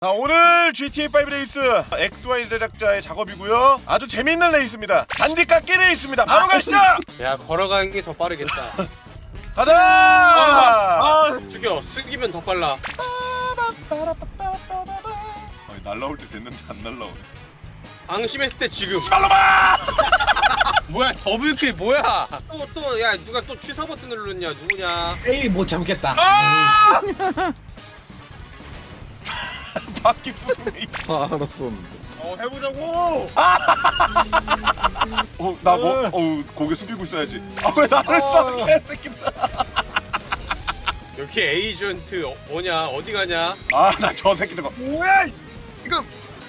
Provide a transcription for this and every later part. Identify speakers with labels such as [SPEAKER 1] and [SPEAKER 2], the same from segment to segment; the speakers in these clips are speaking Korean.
[SPEAKER 1] 자, 오늘 GTA5 레이스 XY 제작자의 작업이고요. 아주 재밌는 레이스입니다. 잔디 깎기 레이스입니다. 바로 가시죠.
[SPEAKER 2] 야, 걸어가는 게 더 빠르겠다.
[SPEAKER 1] 가자.
[SPEAKER 2] 죽여. 숙이면 더 빨라.
[SPEAKER 1] 날라올 때 됐는데 안 날라오네.
[SPEAKER 2] 방심했을 때 지금.
[SPEAKER 1] 빨로마.
[SPEAKER 2] 뭐야, 더블킬 뭐야? 야, 누가 또 취사 버튼 눌렀냐? 누구냐?
[SPEAKER 3] 에이 못 참겠다.
[SPEAKER 1] 바퀴 부수네.
[SPEAKER 4] 알았어.
[SPEAKER 2] 해보자고.
[SPEAKER 1] 나 뭐? 고개 숙이고 있어야지. 왜 나를 쏴, 개새끼다.
[SPEAKER 2] 여기 에이전트 뭐냐? 어디 가냐?
[SPEAKER 1] 나 저 새끼들 거.
[SPEAKER 4] 뭐야? 이거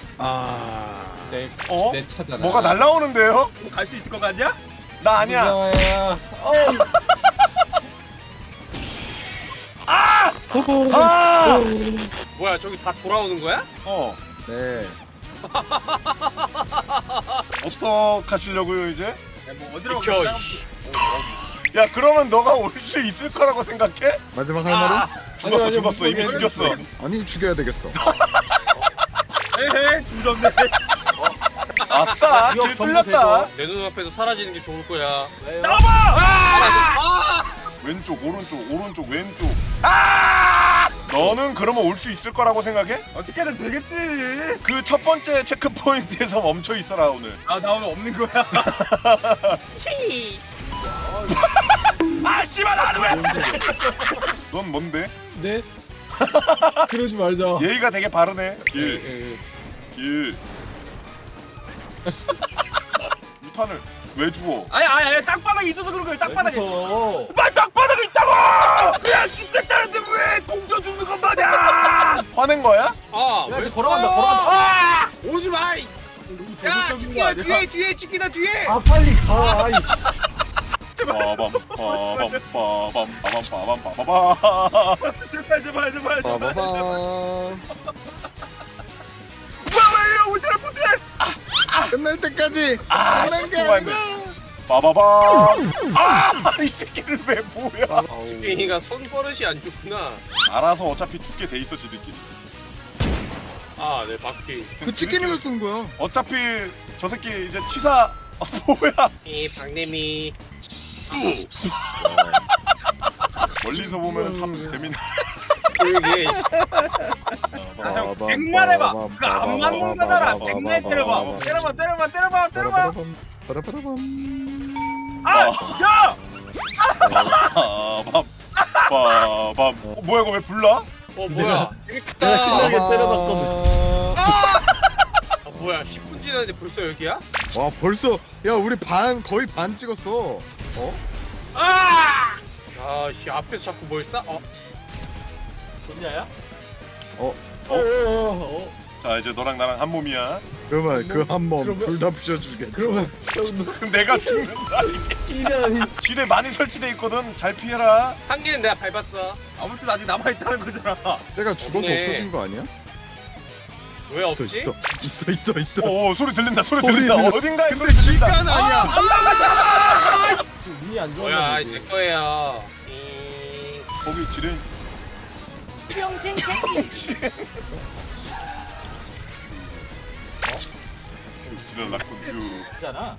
[SPEAKER 3] 내 차잖아.
[SPEAKER 1] 뭐가 날라오는데요?
[SPEAKER 5] 갈 수 있을 것 같냐?
[SPEAKER 1] 나 아니야.
[SPEAKER 3] 무서워요.
[SPEAKER 2] 뭐야, 저기 다 돌아오는 거야?
[SPEAKER 4] 네.
[SPEAKER 1] 어떡하시려고요 이제?
[SPEAKER 5] 야, 뭐 어디로
[SPEAKER 2] 비켜.
[SPEAKER 5] 가냐?
[SPEAKER 1] 야, 그러면 너가 올 수 있을 거라고 생각해?
[SPEAKER 4] 마지막 할 말은?
[SPEAKER 1] 죽었어,
[SPEAKER 3] 아니,
[SPEAKER 1] 죽었어. 이미
[SPEAKER 3] 무슨
[SPEAKER 1] 죽였어.
[SPEAKER 4] 아니 죽여야 되겠어.
[SPEAKER 5] 에헤, 주정네.
[SPEAKER 1] 아싸, 길 뚫렸다.
[SPEAKER 2] 내 눈앞에서 사라지는 게 좋을 거야.
[SPEAKER 1] 왼쪽, 오른쪽, 왼쪽. 너는 그러면 올 수 있을 거라고 생각해?
[SPEAKER 5] 어떻게든 되겠지.
[SPEAKER 1] 그 첫 번째 체크 포인트에서 멈춰 있어라 오늘.
[SPEAKER 5] 나 오늘 없는 거야.
[SPEAKER 1] 씨발 나는 왜? 넌 뭔데?
[SPEAKER 3] 네? 그러지 말자.
[SPEAKER 1] 예의가 되게 바르네.
[SPEAKER 3] 예, 예.
[SPEAKER 1] 길. 유탄을 왜 주워?
[SPEAKER 5] 아니, 땅바닥에 있어서 그런 거야. 땅바닥에.
[SPEAKER 3] 무서워.
[SPEAKER 5] 땅바닥에 있다고. 그냥 죽겠다는데 왜 공져 죽는 건 마냐?
[SPEAKER 1] 화낸 거야?
[SPEAKER 5] 야, 이제 걸어간다.
[SPEAKER 2] 오지 마. 야,
[SPEAKER 5] 적극적인 거
[SPEAKER 2] 찍기다
[SPEAKER 5] 아니야?
[SPEAKER 2] 뒤에 찍기다 뒤에.
[SPEAKER 3] 아 빨리 가. 아이.
[SPEAKER 1] 빠밤.
[SPEAKER 5] 제발.
[SPEAKER 4] 빠바바.
[SPEAKER 5] 뭐야, 오지랖 못해.
[SPEAKER 4] 끝날 때까지. 끝난 게
[SPEAKER 1] 스쿠바인데.
[SPEAKER 4] 아니라.
[SPEAKER 1] 빠바밤. 이 새끼를 왜 뭐야?
[SPEAKER 2] 갱이가 손버릇이 안 좋구나.
[SPEAKER 1] 알아서 어차피 죽게 돼 있어 지들끼리.
[SPEAKER 2] 네, 바퀴.
[SPEAKER 4] 그 치킨을 왜 쓴 거야?
[SPEAKER 1] 어차피 저 새끼 이제 취사. 뭐야?
[SPEAKER 2] 이 박내미.
[SPEAKER 1] 멀리서 보면 참 재밌네.
[SPEAKER 2] 그러게.
[SPEAKER 5] 형, 백날 해봐. 그거 안 맞는 거잖아. 백날 때려봐. 때려봐.
[SPEAKER 4] 빠라빠라밤.
[SPEAKER 5] 야!
[SPEAKER 1] 빠밤. 뭐야 이거 왜 불러?
[SPEAKER 2] 뭐야?
[SPEAKER 3] 내가
[SPEAKER 2] 재밌다.
[SPEAKER 3] 신나게 때려놨거든.
[SPEAKER 2] 뭐야? 10분 지났는데 벌써 여기야?
[SPEAKER 4] 와 벌써 야 우리 거의 반 찍었어.
[SPEAKER 2] 씨, 앞에서 자꾸 뭘 싸?
[SPEAKER 5] 좋냐야?
[SPEAKER 1] 자, 이제 너랑 나랑 한 몸이야.
[SPEAKER 4] 그러면 그 한 몸
[SPEAKER 3] 그러면-
[SPEAKER 4] 둘 다 부셔주겠어.
[SPEAKER 3] 그러면
[SPEAKER 1] 그럼 내가 죽는다.
[SPEAKER 3] 이런
[SPEAKER 1] 지뢰 많이 설치돼 있거든. 잘 피해라.
[SPEAKER 2] 한 개는 내가 밟았어.
[SPEAKER 5] 아무튼 아직 남아있다는 거잖아.
[SPEAKER 4] 내가 죽어서
[SPEAKER 2] 없네.
[SPEAKER 4] 없어진 거 아니야?
[SPEAKER 2] 왜
[SPEAKER 4] 있어
[SPEAKER 2] 없지?
[SPEAKER 4] 있어.
[SPEAKER 1] 오, 소리 들린다. 소리
[SPEAKER 4] 소리
[SPEAKER 1] 들린다.
[SPEAKER 4] 들려.
[SPEAKER 1] 어딘가에 소리 들린다.
[SPEAKER 4] 기간 아니야.
[SPEAKER 3] 운이 안
[SPEAKER 2] 뭐야?
[SPEAKER 3] 좋았나
[SPEAKER 2] 내
[SPEAKER 3] 보지.
[SPEAKER 2] 거예요.
[SPEAKER 1] 거기 지뢰.
[SPEAKER 6] 평생 챙기
[SPEAKER 1] 지뢰 났군.
[SPEAKER 5] 있잖아.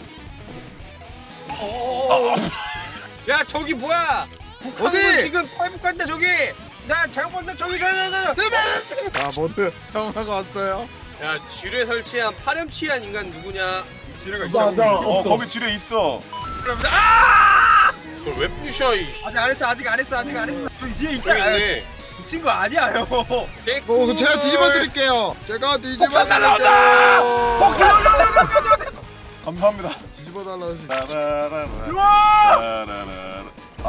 [SPEAKER 2] 야, 저기 뭐야? 북한군
[SPEAKER 4] 어디?
[SPEAKER 2] 지금 탈북한다 저기. 나 잘못 봤다 저기.
[SPEAKER 4] 아 모두 형하고 왔어요.
[SPEAKER 2] 야, 지뢰 설치한 파렴치한 인간 누구냐?
[SPEAKER 5] 지뢰가
[SPEAKER 3] 나
[SPEAKER 5] 있다고.
[SPEAKER 3] 없어.
[SPEAKER 1] 거기 지뢰 있어.
[SPEAKER 5] 그러면서
[SPEAKER 2] 그걸 왜 부셔? 이
[SPEAKER 5] 아직 안 했어. 저기 뒤에
[SPEAKER 2] 저기
[SPEAKER 5] 있잖아.
[SPEAKER 2] 있네.
[SPEAKER 5] 붙인 거 아니야, 형.
[SPEAKER 4] 그거 제가 뒤집어 드릴게요. 제가 뒤집어
[SPEAKER 1] 폭탄 날라온다!
[SPEAKER 4] 드릴게요.
[SPEAKER 1] 폭탄! 감사합니다.
[SPEAKER 4] 뒤집어 달라지.
[SPEAKER 1] 라라라라.
[SPEAKER 5] 우와!
[SPEAKER 1] 라라라라.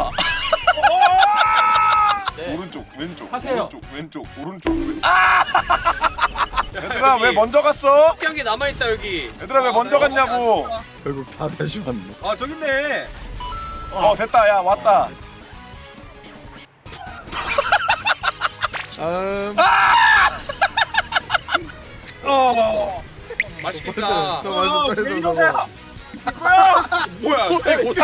[SPEAKER 1] 오른쪽, 왼쪽,
[SPEAKER 3] 하세요.
[SPEAKER 1] 왼쪽, 오른쪽. 얘들아 왜 먼저 갔어?
[SPEAKER 2] 특이한 게 남아 있다 여기.
[SPEAKER 1] 얘들아 왜 먼저 갔냐고?
[SPEAKER 4] 결국 다 다시 왔네.
[SPEAKER 5] 저기 있네.
[SPEAKER 1] 됐다. 야, 왔다.
[SPEAKER 2] 맛있겠다.
[SPEAKER 4] 저 맛있다
[SPEAKER 5] 왜
[SPEAKER 4] 해서
[SPEAKER 5] 이러냐?
[SPEAKER 4] 저거.
[SPEAKER 2] 뭐야?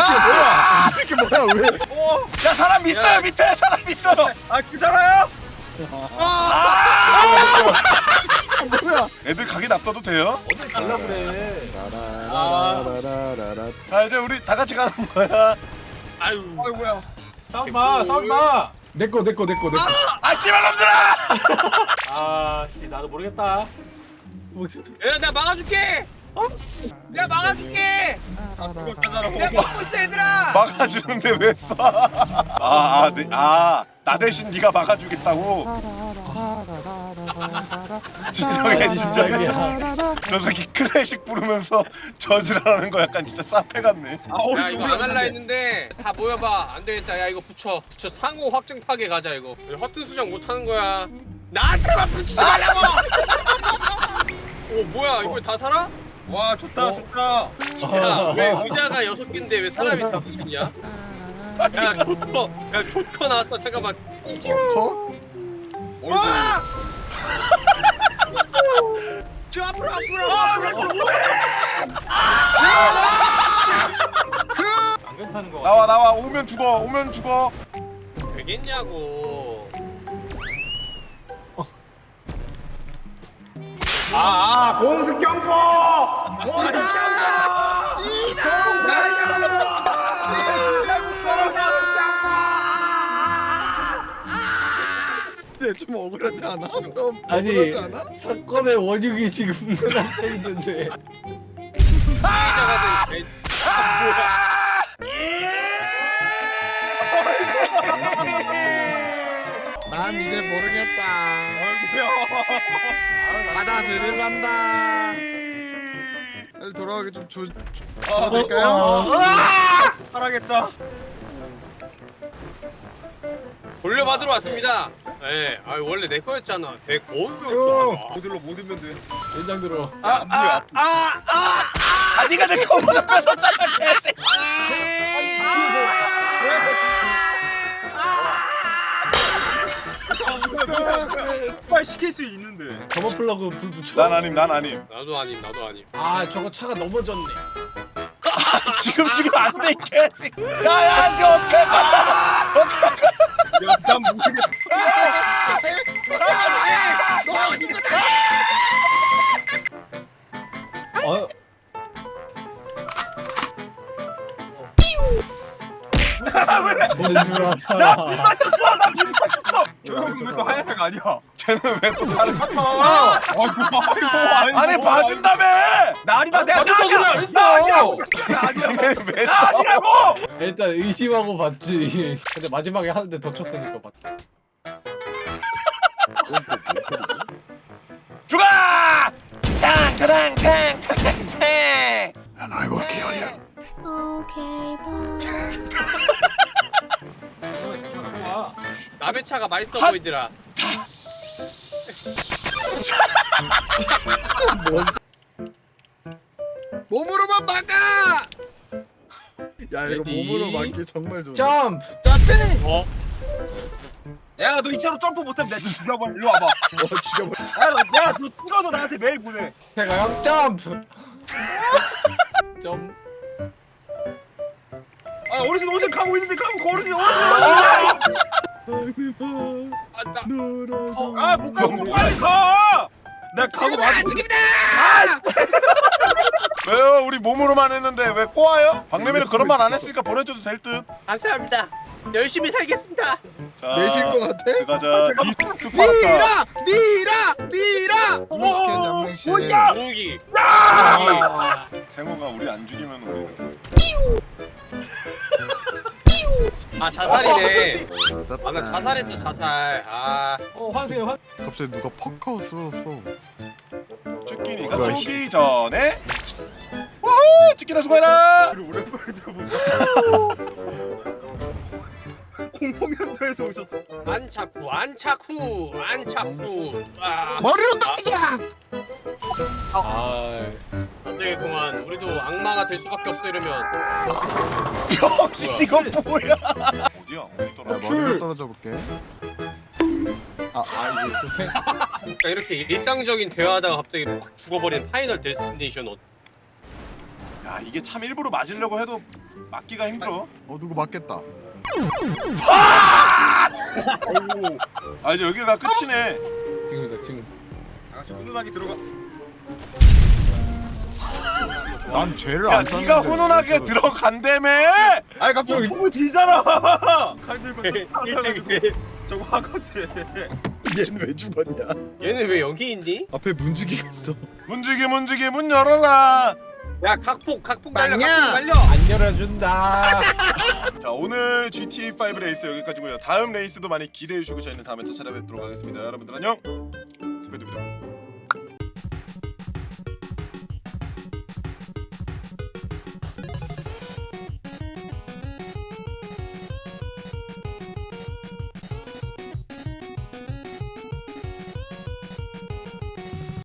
[SPEAKER 4] 뭐야? 이 새끼 뭐야? 왜?
[SPEAKER 1] 야, 사람 있어요.
[SPEAKER 2] 야.
[SPEAKER 1] 밑에 사람 있어.
[SPEAKER 5] 그잖아요?
[SPEAKER 4] 뭐야?
[SPEAKER 1] 애들 가게 놔둬도 돼요?
[SPEAKER 3] 어딜 갈라 그래.
[SPEAKER 4] 라라라라라라라.
[SPEAKER 1] 자 이제 우리 다 같이 가는 거야.
[SPEAKER 2] 아유.
[SPEAKER 5] 아이고야. 싸우지 마, 싸우지 마.
[SPEAKER 3] 내꺼.
[SPEAKER 1] 아 씨발 놈들아!
[SPEAKER 5] 아, 씨, 나도 모르겠다.
[SPEAKER 2] 얘들아 나 막아줄게. 내가 막아줄게.
[SPEAKER 5] 그거까지라
[SPEAKER 2] 내가 막고 있어 얘들아.
[SPEAKER 1] 막아주는데 왜 쏴? 나 대신 네가 막아주겠다고? 진정해 진정해. 저 새끼 클래식 부르면서 저지랄하는 거 약간 진짜 싸패 같네.
[SPEAKER 2] 야 이거 안 할라 했는데 다 모여봐. 안 되겠다. 야 이거 붙여 상호 확정 파괴 가자 이거. 허튼 수정 못 하는 거야. 나한테만 붙이지 말라고. 오 뭐야 이거 다 살아?
[SPEAKER 5] 와, 좋다, 좋다.
[SPEAKER 2] 야왜 의자가 6개인데 왜 사람이 5개냐? 야 조커 나왔어. 잠깐만.
[SPEAKER 4] 커?
[SPEAKER 2] 와! 저 앞으로.
[SPEAKER 5] 안 괜찮은 거 같아.
[SPEAKER 1] 나와 오면 죽어.
[SPEAKER 2] 되겠냐고.
[SPEAKER 5] 공수 경고! 공수
[SPEAKER 4] 근데 좀 억울하지 않아? 좀
[SPEAKER 3] 아니
[SPEAKER 4] 억울하지 않아?
[SPEAKER 3] 사건의 원흉이 지금 앞에 있는데.
[SPEAKER 2] 피해자가 된
[SPEAKER 4] 난 이제 모르겠다.
[SPEAKER 5] 아이고야.
[SPEAKER 4] 받아들일란다. 다시 돌아가기 좀
[SPEAKER 5] 아,
[SPEAKER 4] 될까요?
[SPEAKER 5] 살아겠다.
[SPEAKER 2] 돌려받으러 왔습니다. 예, 아 원래 내 거였잖아. 내 거였잖아.
[SPEAKER 5] 모듈로 못 으면 돼.
[SPEAKER 3] 연장 들어.
[SPEAKER 1] 네가 내 거보다 뺏었잖아 개새끼.
[SPEAKER 5] 빨리 시킬 수 있는데.
[SPEAKER 3] 저번 플러그 불 붙여.
[SPEAKER 1] 난 아님.
[SPEAKER 2] 나도 아님.
[SPEAKER 3] 아 저거 차가 넘어졌네.
[SPEAKER 1] 지금 죽이면 안 돼, 이 개새끼. 야야, 이거 어떡할 거야? 어떡할 거야?
[SPEAKER 5] 야, 난 모르겠다.
[SPEAKER 3] 어.
[SPEAKER 5] 저 형은 왜또 하얀색 아니야?
[SPEAKER 1] 쟤는 왜 또 다른 거?
[SPEAKER 5] 아이고.
[SPEAKER 1] 아니 봐준다며!
[SPEAKER 5] 나 아니다. 내가
[SPEAKER 3] 봐준다고
[SPEAKER 5] 나
[SPEAKER 3] 안 했어.
[SPEAKER 5] 나 아니라고. 나 아니라고.
[SPEAKER 1] 쟤는 왜
[SPEAKER 5] 나
[SPEAKER 1] 싸워?
[SPEAKER 5] 아니라고.
[SPEAKER 3] 일단 의심하고 봤지. 근데 마지막에 하는데 더 쳤으니까 봤지.
[SPEAKER 1] 죽어! 탕탕탕탕탕!
[SPEAKER 7] 오케이 바
[SPEAKER 2] 남의 차가 맛있어
[SPEAKER 1] 핫!
[SPEAKER 2] 보이더라.
[SPEAKER 4] 몸으로만 막아! 야 이거
[SPEAKER 3] 레디.
[SPEAKER 4] 몸으로 막기 정말 좋아.
[SPEAKER 3] 점프.
[SPEAKER 2] 어?
[SPEAKER 5] 야, 너 이 차로 점프 못하면 내가 죽여버려. 일로 와봐.
[SPEAKER 4] 죽여버려.
[SPEAKER 5] 야, 너 찍어서 나한테 메일 보내.
[SPEAKER 3] 태가형 점프. 점.
[SPEAKER 5] 아, 어르신 가고 있는데 어르신. 아, 못 가고 빨리 가. 나 가고 나서
[SPEAKER 1] 왜요? 우리 몸으로만 했는데 왜 꼬아요? 박래미는 그런 말 안 했으니까 보내줘도 될 듯.
[SPEAKER 2] 감사합니다. 열심히 살겠습니다.
[SPEAKER 1] 자,
[SPEAKER 4] 내신 거 같아?
[SPEAKER 1] 들어가자. 스파르타.
[SPEAKER 4] 미라! 무식해 장명씨.
[SPEAKER 5] 뭐야?
[SPEAKER 2] 무기.
[SPEAKER 1] 생호가 우리 안 죽이면 우리는
[SPEAKER 2] 아 자살이네.
[SPEAKER 4] 있었다.
[SPEAKER 2] 나 자살했어 자살.
[SPEAKER 5] 환승해.
[SPEAKER 4] 갑자기 누가 퍽하고 쓰러졌어.
[SPEAKER 1] 쭈끼니가
[SPEAKER 4] 뭐야,
[SPEAKER 1] 쏘기 전에 우후! 쭈끼나 수고해라!
[SPEAKER 5] 오랜만에 들어본다. 공포면도에서 오셨어.
[SPEAKER 2] 안차쿠. 아,
[SPEAKER 4] 머리로 때리자!
[SPEAKER 3] 아.
[SPEAKER 2] 안 되겠구만. 우리도 악마가 될 수밖에 없어 이러면.
[SPEAKER 1] 병신 이거 뭐야? 어디야? 어디
[SPEAKER 4] 야,
[SPEAKER 1] 떨어져?
[SPEAKER 4] 머리로 떨어져 볼게.
[SPEAKER 2] 그러니까 이렇게 일상적인 대화하다가 갑자기 막 죽어버린 파이널 데스티네이션
[SPEAKER 1] 야 이게 참 일부러 맞으려고 해도 맞기가 힘들어.
[SPEAKER 4] 누구 맞겠다.
[SPEAKER 1] 아 이제 여기가 끝이네.
[SPEAKER 3] 지금이다 지금.
[SPEAKER 5] 아주 훈훈하게 들어가.
[SPEAKER 4] 난 죄를
[SPEAKER 1] 야
[SPEAKER 4] 안 땄는데.
[SPEAKER 1] 네가 훈훈하게 들어간다며.
[SPEAKER 5] 아니 갑자기 총을 들잖아. 칼 들고 총 저거 하거든.
[SPEAKER 4] 얘는 왜 죽었냐?
[SPEAKER 2] 얘는 왜 여기 있니?
[SPEAKER 4] 앞에 문지기가 있어.
[SPEAKER 1] 문지기 문 열어라.
[SPEAKER 2] 야 각폭 달려
[SPEAKER 4] 맞냐?
[SPEAKER 2] 각폭 달려.
[SPEAKER 3] 안 열어준다.
[SPEAKER 1] 자 오늘 GTA5 레이스 여기까지고요. 다음 레이스도 많이 기대해 주시고 저희는 다음에 또 찾아뵙도록 하겠습니다. 여러분들 안녕. 스페드입니다.